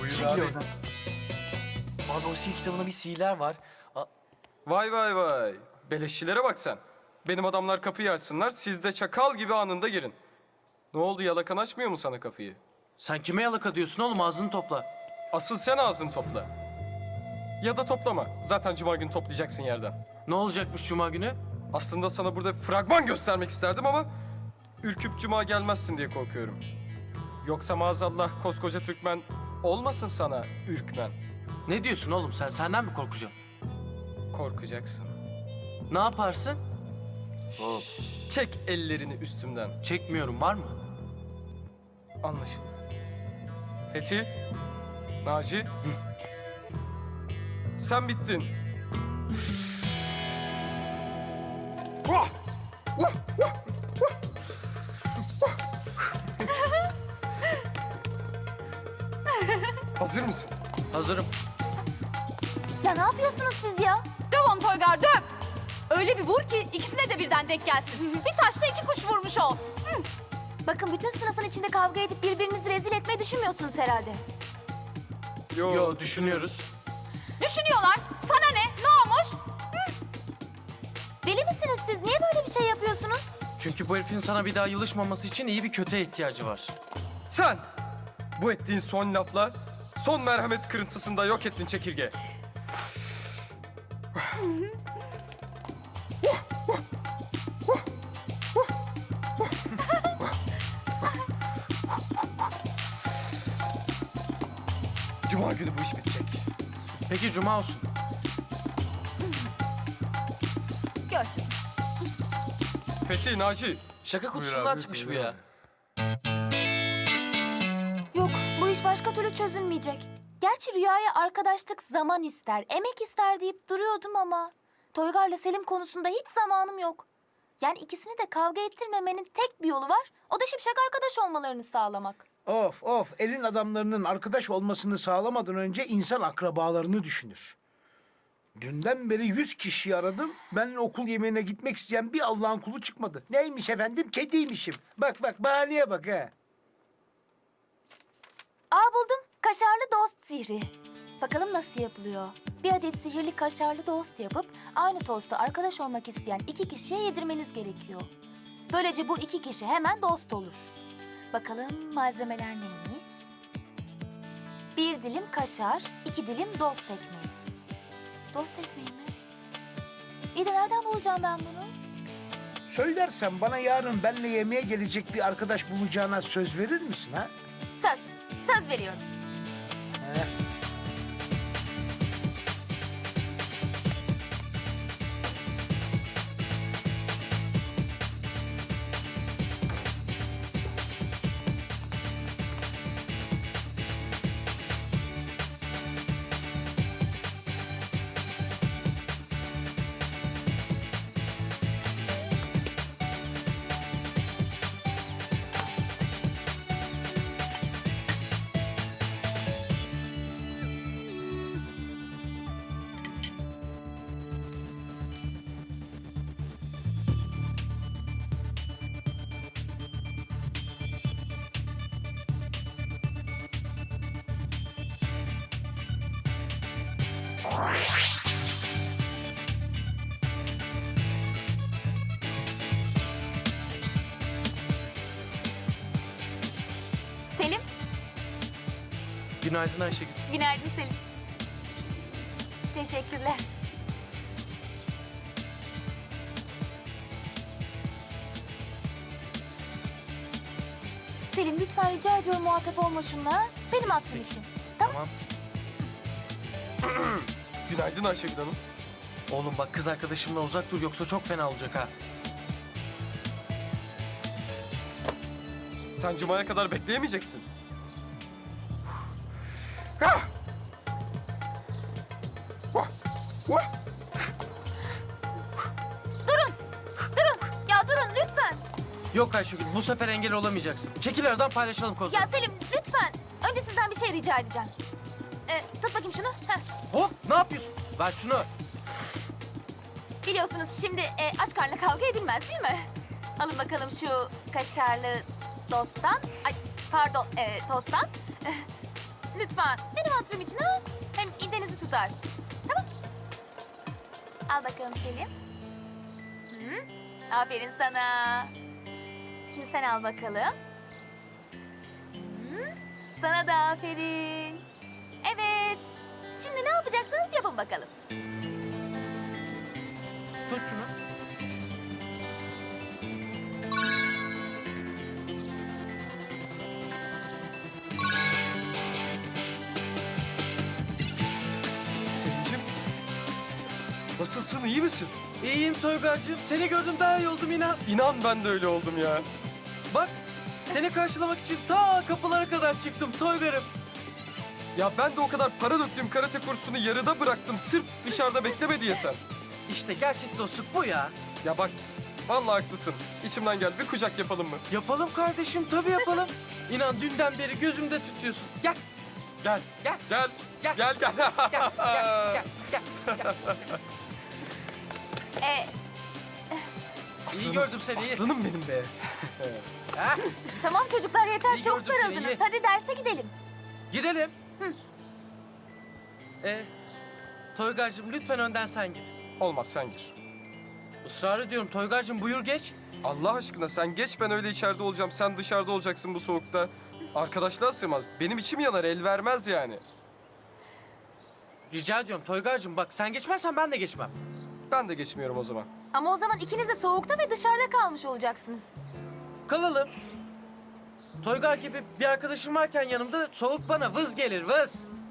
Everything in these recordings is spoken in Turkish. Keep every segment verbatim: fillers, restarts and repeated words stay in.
Buyur Çekil abi. oradan. Abi o sil kitabında bir sihirler var. A- Vay vay vay. Beleşçilere bak sen. Benim adamlar kapıyı açsınlar, siz de çakal gibi anında girin. Ne oldu, yalakan açmıyor mu sana kapıyı? Sen kime yalaka diyorsun oğlum, ağzını topla. Asıl sen ağzını topla. Ya da toplama. Zaten cuma günü toplayacaksın yerden. Ne olacakmış cuma günü? Aslında sana burada fragman göstermek isterdim ama... ...ürküp cuma gelmezsin diye korkuyorum. Yoksa maazallah koskoca Türkmen olmasın sana ürkmen. Ne diyorsun oğlum sen? Senden mi korkacağım? Korkacaksın. Ne yaparsın? Hop. Çek ellerini üstümden. Çekmiyorum, var mı? Anlaşıldı. Fethi, Naci, sen bittin. Vah! Vah! Vah! Vah! Hazır mısın? Hazırım. Ya ne yapıyorsunuz siz ya? Döv onu Toygar, döv! Öyle bir vur ki ikisine de birden denk gelsin. Bir taşla iki kuş vurmuş ol. Bakın bütün sınıfın içinde kavga edip birbirinizi rezil etmeyi düşünmüyorsunuz herhalde. Yo, Yo, düşünüyoruz. Düşünüyorlar. Sana ne? Ne olmuş? Deli misiniz siz? Niye böyle bir şey yapıyorsunuz? Çünkü bu herifin sana bir daha yılışmaması için iyi bir kötüye ihtiyacı var. Sen! Bu ettiğin son lafla son merhamet kırıntısında yok ettin çekirge. Cuma günü bu iş bitecek. Peki cuma olsun. Gör. Fethi, Naci. Şaka kutusundan çıkmış bu ya. Yok, bu iş başka türlü çözülmeyecek. Gerçi Rüya'ya arkadaşlık zaman ister, emek ister deyip duruyordum ama... Toygar'la Selim konusunda hiç zamanım yok. Yani ikisini de kavga ettirmemenin tek bir yolu var. O da şimşek arkadaş olmalarını sağlamak. Of of, elin adamlarının arkadaş olmasını sağlamadan önce insan akrabalarını düşünür. Dünden beri yüz kişiyi aradım. Ben okul yemeğine gitmek isteyen bir Allah'ın kulu çıkmadı. Neymiş efendim? Kediymişim. Bak bak, bahaneye bak ha. Aa buldum. Kaşarlı dost sihri. Bakalım nasıl yapılıyor. Bir adet sihirli kaşarlı dost yapıp aynı tosta arkadaş olmak isteyen iki kişiye yedirmeniz gerekiyor. Böylece bu iki kişi hemen dost olur. Bakalım malzemeler neymiş? Bir dilim kaşar, iki dilim dost ekmeği. Dost ekmeği mi? İyi de nereden bulacağım ben bunu? Söylersen bana yarın benimle yemeğe gelecek bir arkadaş bulacağına söz verir misin ha? Söz, söz veriyorum. He. Selim, Günaydın Ayşegül. günaydın Selim. Teşekkürler. Selim lütfen rica ediyorum muhatap olma şunla. Benim hatırım için. Tamam. Tamam. Günaydın Ayşegül Hanım. Oğlum bak, kız arkadaşımla uzak dur yoksa çok fena olacak ha. Sen cumaya kadar bekleyemeyeceksin. Ah! Vah! Vah! Durun ya durun lütfen. Yok Ayşegül, bu sefer engel olamayacaksın. Çekil aradan, paylaşalım kozları. Ya Selim lütfen. Önce sizden bir şey rica edeceğim. Ee, tut bakayım şunu. Heh. Hop, ne yapıyorsun? Ver şunu. Biliyorsunuz şimdi e, aç karnına kavga edilmez değil mi? Alın bakalım şu kaşarlı dosttan. Ay pardon e, tosttan. lütfen. Benim hatırım için ha. Hem idenizi tutar. Tamam. Al bakalım Selim. Hı? Aferin sana. Şimdi sen al bakalım. Hı? Sana da aferin. Evet. Şimdi ne yapacaksınız yapın bakalım. Tut şunu. Selim'cim. Nasılsın, iyi misin? İyiyim Toygar'cığım. Seni gördüm daha iyi oldum inan. İnan ben de öyle oldum ya. Bak seni karşılamak için ta kapılara kadar çıktım Toygar'ım. Ya ben de o kadar para döktüğüm karate kursunu yarıda bıraktım sırf dışarıda bekleme diye sen. İşte gerçek dostluk bu ya. Ya bak, vallahi haklısın. İçimden gel, bir kucak yapalım mı? Yapalım kardeşim tabii yapalım. İnan dünden beri gözümde tutuyorsun. Gel Gel, gel gel, Gel. gel, gel. gel gel gel gel. gel. Ee, İyi gördüm seni iyi. Aslanım benim be. Ha? tamam çocuklar yeter İyi çok gördüm seni, sarıldınız. iyi. Hadi derse gidelim. Gidelim. Ee, Toygar'cığım lütfen önden sen gir. Olmaz, sen gir. Israr ediyorum Toygar'cığım buyur geç. Allah aşkına sen geç, ben öyle içeride olacağım. Sen dışarıda olacaksın bu soğukta. Arkadaşlığa sığmaz. Benim içim yanar, el vermez yani. Rica ediyorum Toygar'cığım bak sen geçmezsen ben de geçmem. Ben de geçmiyorum o zaman. Ama o zaman ikiniz de soğukta ve dışarıda kalmış olacaksınız. Kalalım. Toygar gibi bir arkadaşım varken yanımda soğuk bana vız gelir vız.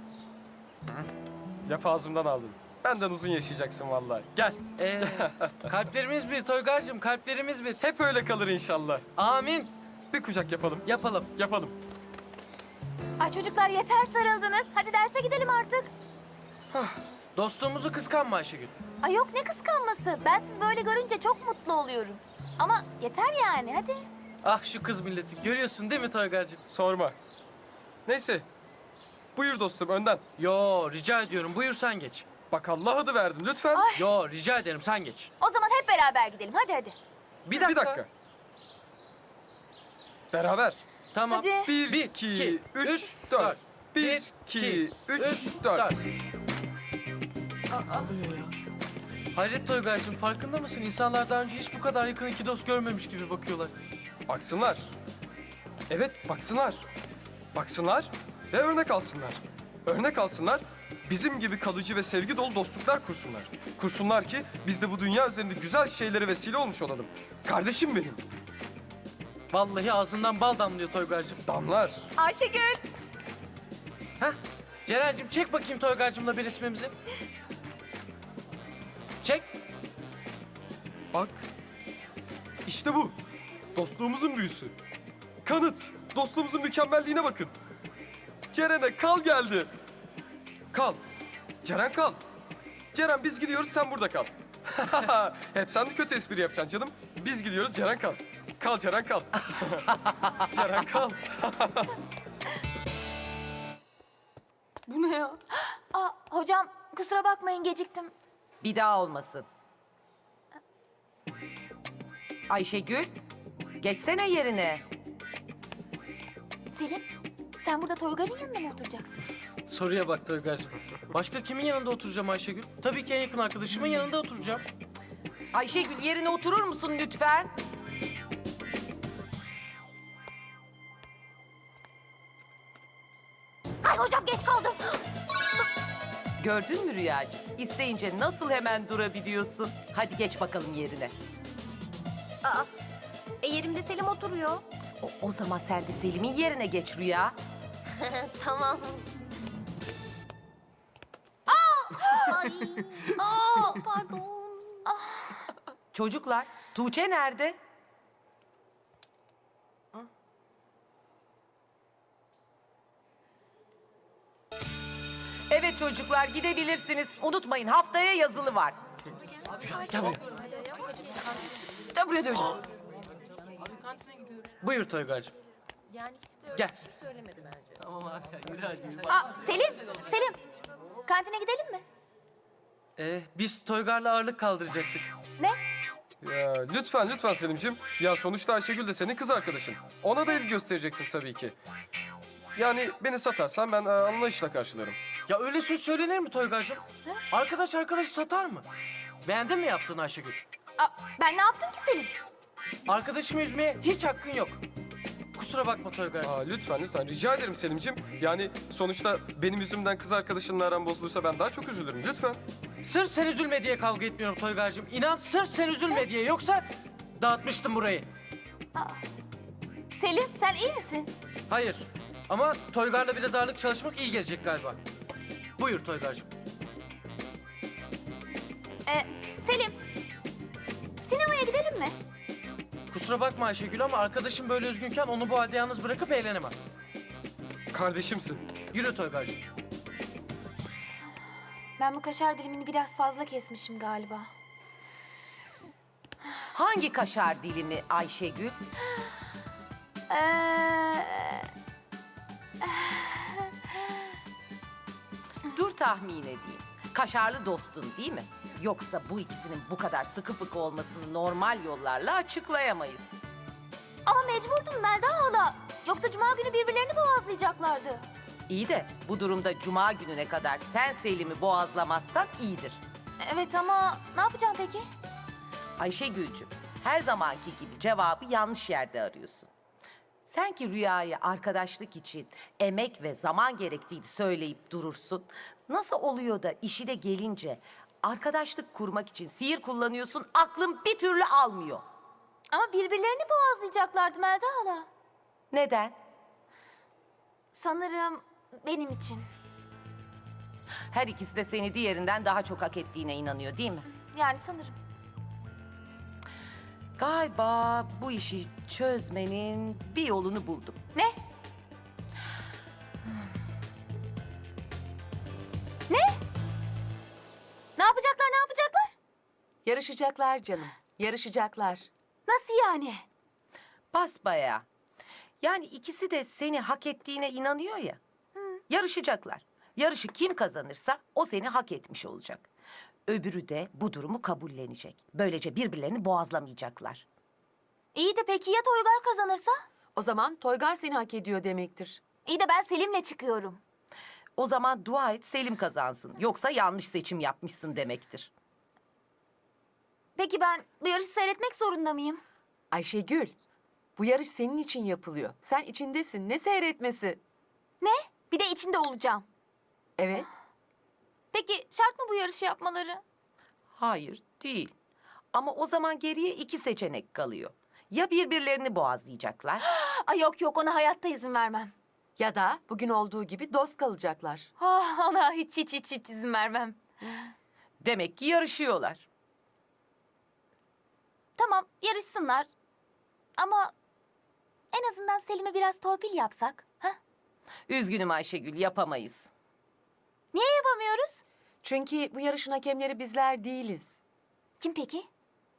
Laf ağzımdan aldın. Benden uzun yaşayacaksın vallahi. Gel. Ee, kalplerimiz bir Toygar'cığım kalplerimiz bir. Hep öyle kalır inşallah. Amin. Bir kucak yapalım. Yapalım. Yapalım. Ay çocuklar yeter sarıldınız. Hadi derse gidelim artık. Dostluğumuzu kıskanma Ayşegül. Ay yok ne kıskanması. Ben sizi böyle görünce çok mutlu oluyorum. Ama yeter yani hadi. Ah şu kız milleti görüyorsun değil mi Toygar'cığım? Sorma. Neyse. Buyur dostum, önden. Yo rica ediyorum buyur sen geç. Bak Allah adı verdim lütfen. Yo rica ederim sen geç. O zaman hep beraber gidelim. Hadi hadi. Bir dakika. Bir dakika. Beraber. Tamam. Hadi. Bir, Bir, iki, iki, üç, üç, dört. dört. Bir, iki, üç, dört. Hayret Toygar'cığım farkında mısın? İnsanlar daha önce hiç bu kadar yakın iki dost görmemiş gibi bakıyorlar. Baksınlar. Evet, baksınlar. Baksınlar ve örnek alsınlar. Örnek alsınlar, bizim gibi kalıcı ve sevgi dolu dostluklar kursunlar. Kursunlar ki biz de bu dünya üzerinde güzel şeylere vesile olmuş olalım. Kardeşim benim. Vallahi ağzından bal damlıyor Toygar'cığım. Damlar. Ayşegül. Heh. Ceren'cim çek bakayım Toygar'cığımla bir resmimizi. Çek. Bak. İşte bu. Dostluğumuzun büyüsü. Kanıt. Dostluğumuzun mükemmelliğine bakın. Ceren'e kal geldi. Kal. Ceren kal. Ceren biz gidiyoruz, sen burada kal. Hep sen de kötü espri yapacaksın canım. Biz gidiyoruz, Ceren kal. Kal Ceren kal. Ceren kal. Bu ne ya? Aa, hocam kusura bakmayın geciktim. Bir daha olmasın. Ayşegül, geçsene yerine. Selim sen burada Toygar'ın yanında mı oturacaksın? Soruya bak Toygar'cığım. Başka kimin yanında oturacağım Ayşegül? Tabii ki en yakın arkadaşımın yanında oturacağım. Ayşegül yerine oturur musun lütfen? Ay hocam geç kaldım. Gördün mü Rüyacığım? İsteyince nasıl hemen durabiliyorsun? Hadi geç bakalım yerine. E yerimde Selim oturuyor. O, o zaman sen de Selim'in yerine geç Rüya. Tamam. Ay. Aa, pardon. Çocuklar, Tuğçe nerede? Evet çocuklar gidebilirsiniz. Unutmayın haftaya yazılı var. Gel buraya. Gel buraya döveceğim. Buyur Toygar'cığım. Gel. Aa, Selim, Selim. Kantine gidelim mi? Ee, biz Toygar'la ağırlık kaldıracaktık. Ne? Ya, lütfen lütfen Selim'ciğim. Ya sonuçta Ayşegül de senin kız arkadaşın. Ona da ilgi göstereceksin tabii ki. Yani beni satarsan ben e, anlayışla karşılarım. Ya öyle söz söylenir mi Toygar'cığım? Arkadaş arkadaşı satar mı? Beğendin mi yaptığını Ayşegül? Aa, ben ne yaptım ki Selim? Arkadaşımı üzmeye hiç hakkın yok. Kusura bakma Toygar'cığım. Aa, lütfen lütfen rica ederim Selim'ciğim. Yani sonuçta benim yüzümden kız arkadaşınla aran bozulursa ben daha çok üzülürüm lütfen. Sırf sen üzülme diye kavga etmiyorum Toygar'cığım. İnan sırf sen üzülme diye. Yoksa dağıtmıştım burayı. Selim sen iyi misin? Hayır. Ama Toygar'la biraz ağırlık çalışmak iyi gelecek galiba. Buyur Toygar'cığım. Ee, Selim. Sinemaya gidelim mi? Kusura bakma Ayşegül ama arkadaşım böyle üzgünken onu bu halde yalnız bırakıp eğlenemem. Kardeşimsin. Yürü Toygar'cığım. Ben bu kaşar dilimini biraz fazla kesmişim galiba. Hangi kaşar dilimi Ayşegül? Ee, Dur tahmin edeyim. Kaşarlı dostun değil mi? Yoksa bu ikisinin bu kadar sıkı fıkı olmasını normal yollarla açıklayamayız. ama mecburdum Melda hala. Yoksa cuma günü birbirlerini boğazlayacaklardı. İyi de bu durumda cuma gününe kadar sen Selim'i boğazlamazsan iyidir. Evet ama ne yapacağım peki? Ayşegül'cüm, her zamanki gibi cevabı yanlış yerde arıyorsun. Sen ki Rüya'ya arkadaşlık için emek ve zaman gerektiğini söyleyip durursun. Nasıl oluyor da işine gelince arkadaşlık kurmak için sihir kullanıyorsun, aklın bir türlü almıyor. Ama birbirlerini boğazlayacaklardı Melda hala. Neden? Sanırım benim için. Her ikisi de seni diğerinden daha çok hak ettiğine inanıyor değil mi? Yani sanırım. Galiba bu işi çözmenin bir yolunu buldum. Ne? Ne? Ne yapacaklar, ne yapacaklar? Yarışacaklar canım, yarışacaklar. Nasıl yani? Basbayağı. Yani ikisi de seni hak ettiğine inanıyor ya. Yarışacaklar. Yarışı kim kazanırsa o seni hak etmiş olacak. Öbürü de bu durumu kabullenecek. Böylece birbirlerini boğazlamayacaklar. İyi de peki ya Toygar kazanırsa? O zaman Toygar seni hak ediyor demektir. İyi de ben Selim'le çıkıyorum. O zaman dua et Selim kazansın. Yoksa yanlış seçim yapmışsın demektir. Peki ben bu yarışı seyretmek zorunda mıyım? Ayşegül, bu yarış senin için yapılıyor. Sen içindesin, ne seyretmesi? Ne? Bir de içinde olacağım. Evet, Peki şart mı bu yarışı yapmaları? Hayır, değil. Ama o zaman geriye iki seçenek kalıyor. Ya birbirlerini boğazlayacaklar Ay yok yok ona hayatta izin vermem. ya da bugün olduğu gibi dost kalacaklar. Ah, ona hiç hiç hiç hiç izin vermem. demek ki yarışıyorlar. Tamam yarışsınlar. Ama en azından Selim'e biraz torpil yapsak. Ha? Üzgünüm Ayşegül yapamayız. Niye yapamıyoruz? Çünkü bu yarışın hakemleri bizler değiliz. Kim peki?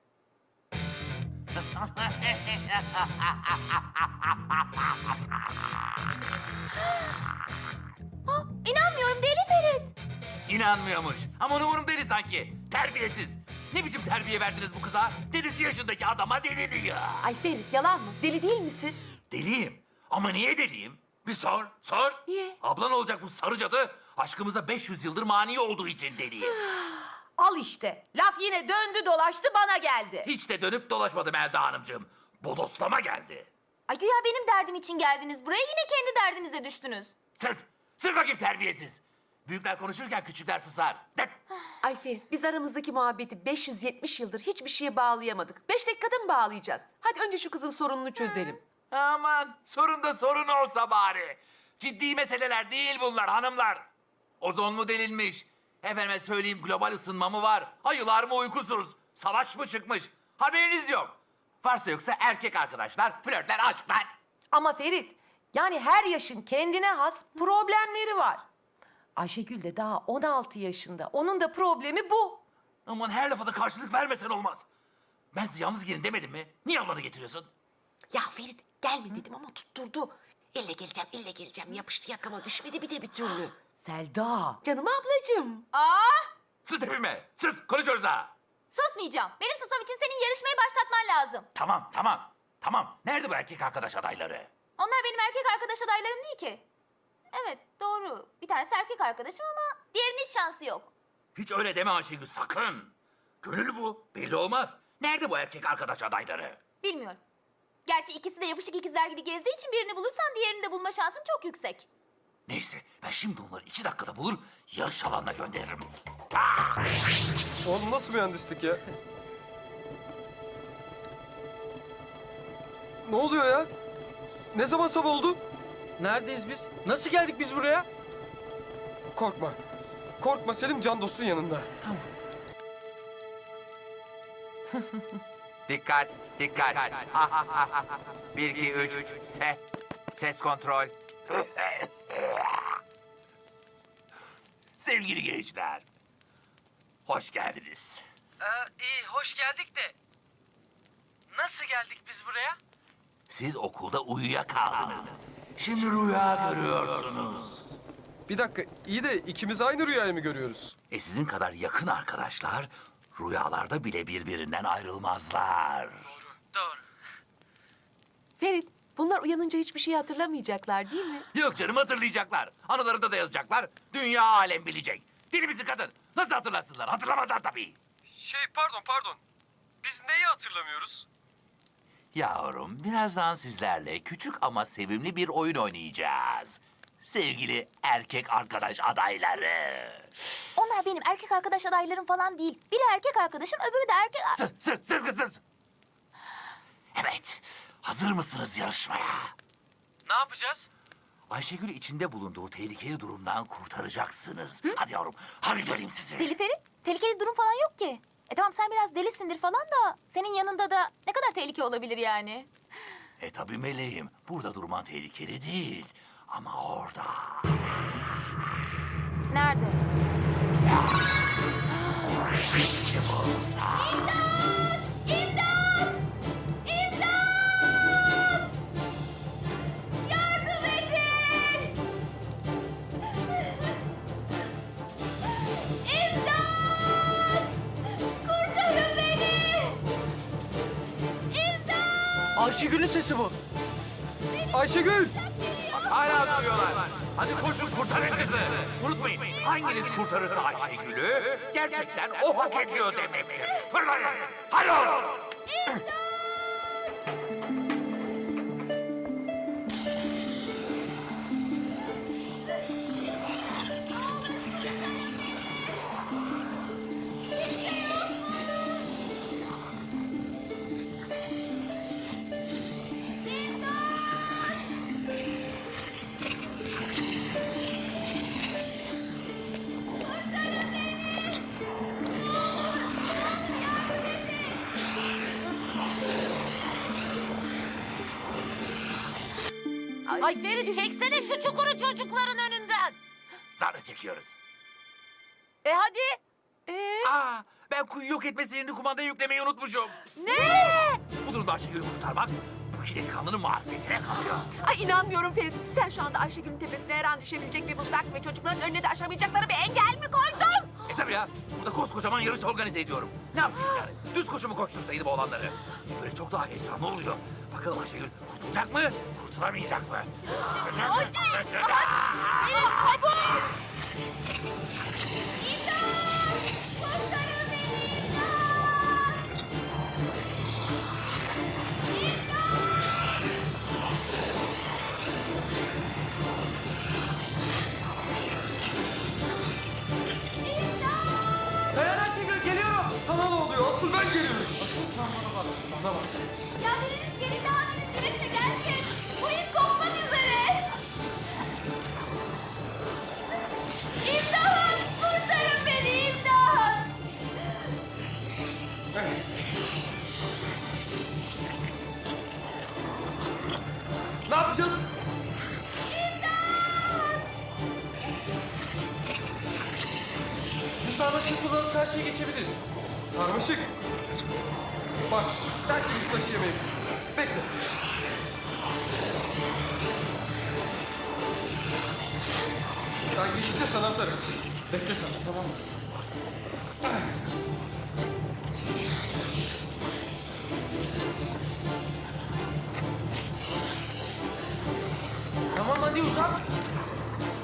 Ah, İnanmıyorum Deli Ferit. İnanmıyormuş. Ama onu umurumda değil sanki. Terbiyesiz. Ne biçim terbiye verdiniz bu kıza? Delisi yaşındaki adama deli diyor. Ay Ferit, yalan mı? Deli değil misin? Deliyim. Ama niye deliyim? Bir sor, sor. Niye? Ablan olacak bu sarı cadı. Aşkımıza beş yüz yıldır mani olduğu için deliyim. Al işte. Laf yine döndü dolaştı bana geldi. Hiç de dönüp dolaşmadı Melda Hanımcığım. Bodoslama geldi. Ay güya benim derdim için geldiniz buraya yine kendi derdinize düştünüz. Sus, sus bakayım terbiyesiz. Büyükler konuşurken küçükler susar. Det. Ay Ferit, biz aramızdaki muhabbeti beş yüz yetmiş yıldır hiçbir şeye bağlayamadık. Beş dakikada mı bağlayacağız? Hadi önce şu kızın sorununu çözelim. Aman sorun da sorun olsa bari. Ciddi meseleler değil bunlar hanımlar. Ozon mu delinmiş? Efendime söyleyeyim global ısınma mı var? Ayılar mı uykusuz? Savaş mı çıkmış? Haberiniz yok. Varsa yoksa erkek arkadaşlar, flörtler, aşklar. Ama Ferit, yani her yaşın kendine has problemleri var. Ayşegül de daha on altı yaşında. Onun da problemi bu. Aman her lafa da karşılık vermesen olmaz. Ben size yalnız gelin demedim mi? Niye ablanı getiriyorsun? Ya Ferit gelme dedim ama tutturdu. Elle geleceğim, elle geleceğim. Yapıştı yakama düşmedi bir de bir türlü. Selda. Canım ablacığım. Aa, Sus tepime, sus konuşuyoruz ha. susmayacağım. Benim susmam için senin yarışmayı başlatman lazım. Tamam, tamam, tamam. Nerede bu erkek arkadaş adayları? Onlar benim erkek arkadaş adaylarım değil ki. Evet, doğru. Bir tanesi erkek arkadaşım ama diğerinin hiç şansı yok. Hiç öyle deme Ayşegül sakın. Gönül bu. Belli olmaz. Nerede bu erkek arkadaş adayları? Bilmiyorum. Gerçi ikisi de yapışık ikizler gibi gezdiği için birini bulursan diğerini de bulma şansın çok yüksek. Neyse ben şimdi onları iki dakikada bulur yarış alanına gönderirim. Oğlum nasıl mühendislik ya? Ne oluyor ya? Ne zaman sabah oldu? Neredeyiz biz? Nasıl geldik biz buraya? Korkma. Korkma Selim, can dostun yanında. Dikkat, dikkat. Bir, iki, üç, se. Ses kontrol. Sevgili gençler, hoş geldiniz. Ee, iyi, hoş geldik de. Nasıl geldik biz buraya? Siz okulda uyuyakaldınız. Şimdi rüya görüyorsunuz. Bir dakika, iyi de ikimiz aynı rüyayı mı görüyoruz? E sizin kadar yakın arkadaşlar rüyalarda bile birbirinden ayrılmazlar. Doğru. Ferit, bunlar uyanınca hiçbir şey hatırlamayacaklar değil mi? Yok canım hatırlayacaklar. Anılarında da yazacaklar. Dünya alem bilecek. Deli misin kadın? Nasıl hatırlasınlar? Hatırlamazlar tabii. Şey, pardon, pardon. Biz neyi hatırlamıyoruz? Yavrum, birazdan sizlerle küçük ama sevimli bir oyun oynayacağız. Sevgili erkek arkadaş adayları. Onlar benim erkek arkadaş adaylarım falan değil. Biri erkek arkadaşım, öbürü de erkek... Sus, sus, sus, sus. Evet, hazır mısınız yarışmaya? Ne yapacağız? Ayşegül içinde bulunduğu tehlikeli durumdan kurtaracaksınız. Hadi yavrum, hadi göreyim sizi. Deli Ferit, tehlikeli durum falan yok ki. E tamam sen biraz delisindir falan da senin yanında da ne kadar tehlike olabilir yani? E tabii meleğim, burada durman tehlikeli değil. Ama orada. Nerede? İşte burada. İmdat! İmdat! Yardım edin! İmdat! Kurtarın beni! İmdat! Ayşegül'ün sesi bu. Ayşegül! Hala duruyorlar. Hadi koşun kurtarın kızı. Unutmayın, hanginiz kurtarırsa Ayşegül'ü gerçekten o hak ediyor demektir. Fırlayın. Hadi oğlum. Ay Ferit çeksene şu çukuru çocukların önünden. Zarla çekiyoruz. E hadi. Aa, ben kuyu yok etme sihirini kumandaya yüklemeyi unutmuşum. Ne? Bu durumda Ayşegül'ü kurtarmak bu iki delikanlının marifetine kalıyor. Ay inanmıyorum Ferit. Sen şu anda Ayşegül'ün tepesine her an düşebilecek bir mızrak ve çocukların önüne de aşamayacakları bir engel mi koydun? E tabii ya, burada koskocaman yarış organize ediyorum. Ne yapsaydım yani? Düz koşu mu koştursaydım oğlanları? Böyle çok daha heyecanlı oluyor. Bakalım Ayşegül kurtulacak mı, kurtulamayacak mı? Hadi. Çabuk. Dayan Ayşegül, geliyorum. Sana ne oluyor? Asıl ben geliyorum. Bana bak. Ya biriniz gelin daha biriniz gelirse gelsin. Bu ip kopmak üzere. İmdat! Kurtarın beni imdat! Ne yapacağız? Şu sarmaşığı kullanıp karşıya geçebiliriz. Sarmaşık. Bak, belki biz taşıyamayız. Bekle. Ben geçince sana atarım. Bekle sen, tamam mı? Tamam hadi uzat.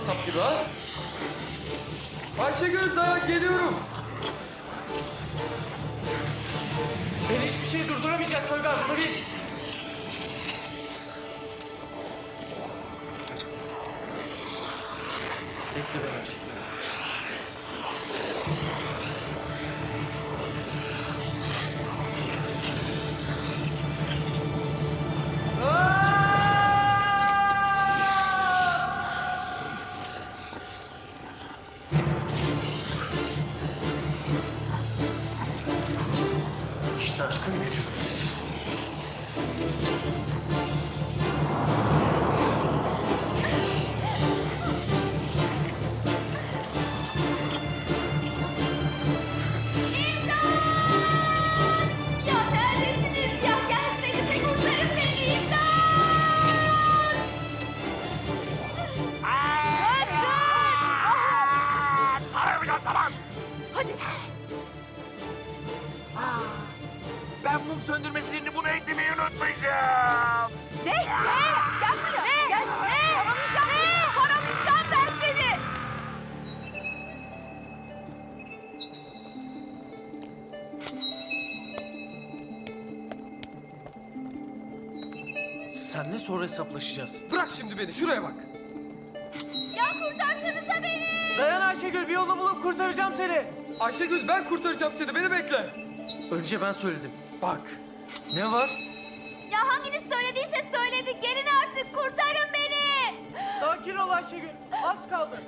kasap gibi ha? Ayşegül dayan geliyorum. Beni hiçbir şey durduramayacak Toygar, bunu bil. Bekle beni Ayşegül. İşte aşkın gücü. Ya neredesiniz ya? Gelsenize kurtarın beni imdat! Tamam tamam. Hadi. Ben mum söndürme sihrini buna eklemeyi unutmayacağım. Ne? Ne? Gel buraya. Gel. Ne? Paramayacağım. Paramayacağım ben seni. Senle sonra hesaplaşacağız. Bırak şimdi beni şuraya bak. Ya kurtarsanıza beni. Dayan Ayşegül, bir yolunu bulup kurtaracağım seni. Ayşegül ben kurtaracağım seni beni bekle. Önce ben söyledim. Bak. Ne var? Ya hanginiz söylediyse söyledik. Gelin artık kurtarın beni. Sakin ol Ayşegül, az kaldı.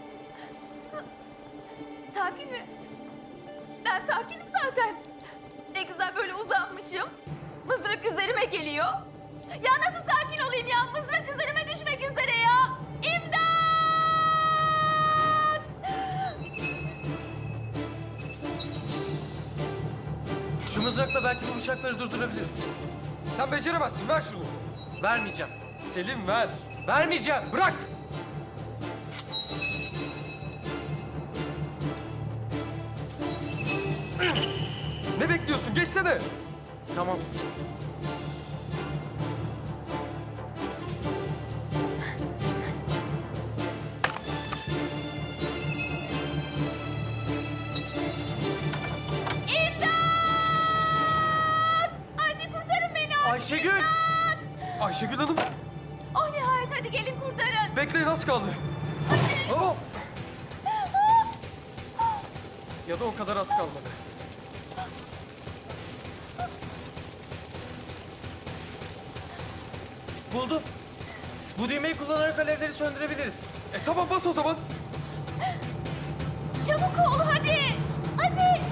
Sakin mi? Ben sakinim zaten. Ne güzel böyle uzanmışım. Mızrak üzerime geliyor. Ya nasıl sakin olayım ya? Mızrak üzerime düşmek üzere ya. İmdat! Şu mızrakla belki bu bıçakları durdurabilirim. Sen beceremezsin ver şunu. Vermeyeceğim. Selim ver. Vermeyeceğim. Bırak. Ne bekliyorsun? Geçsene. Tamam. Hadi kurtarın beni. Ayşegül! Ayşegül Hanım. Oh nihayet hadi gelin kurtarın. Bekleyin az kaldı. Hop. Ya da o kadar az kalmadı. Buldum. Bu düğmeyi kullanarak alevleri söndürebiliriz. E tamam bas o zaman. Çabuk ol hadi. Hadi.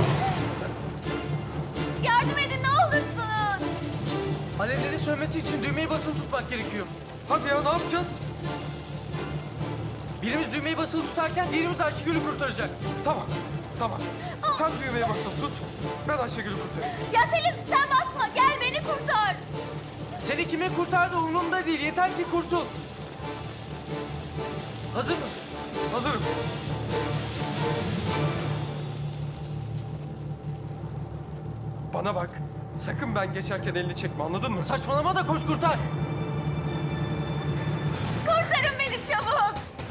Yardım edin ne olursun. Alevlerin sönmesi için düğmeyi basılı tutmak gerekiyor. Hadi ya ne yapacağız? Birimiz düğmeyi basılı tutarken diğerimiz Ayşegül'ü kurtaracak. Tamam. Tamam. Sen düğmeye basılı tut. Ben Ayşegül'ü kurtarayım. Ya Selim sen basma gel beni kurtar. Seni kimin kurtardığı umurumda değil. Yeter ki kurtul. Hazır mısın? Hazırım. Bana bak. Sakın ben geçerken elini çekme anladın mı? Saçmalama da koş kurtar. Kurtarın beni çabuk.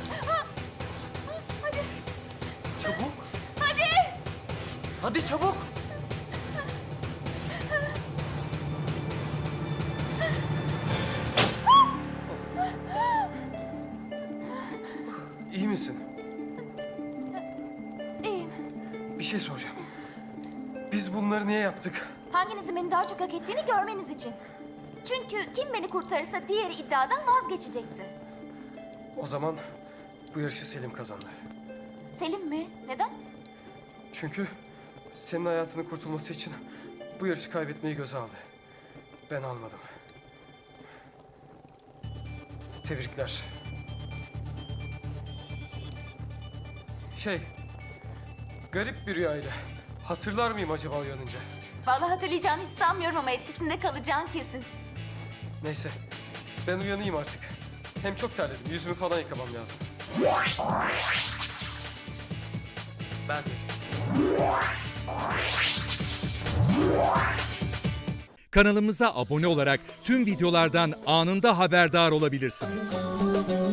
Hadi Çabuk. hadi. Hadi çabuk. İyi misin? İyiyim. Bir şey soracağım. Biz bunları niye yaptık? Hanginizin beni daha çok hak ettiğini görmeniz için. Çünkü kim beni kurtarırsa diğeri iddiadan vazgeçecekti. O zaman bu yarışı Selim kazandı. Selim mi? Neden? Çünkü senin hayatının kurtulması için bu yarışı kaybetmeyi göze aldı. Ben almadım. Tebrikler. Şey, garip bir rüyaydı. Hatırlar mıyım acaba uyanınca? Vallahi hatırlayacağını hiç sanmıyorum ama etkisinde kalacağın kesin. Neyse, ben uyanayım artık. Hem çok terledim, yüzümü falan yıkamam lazım. Ben de. Kanalımıza abone olarak tüm videolardan anında haberdar olabilirsiniz.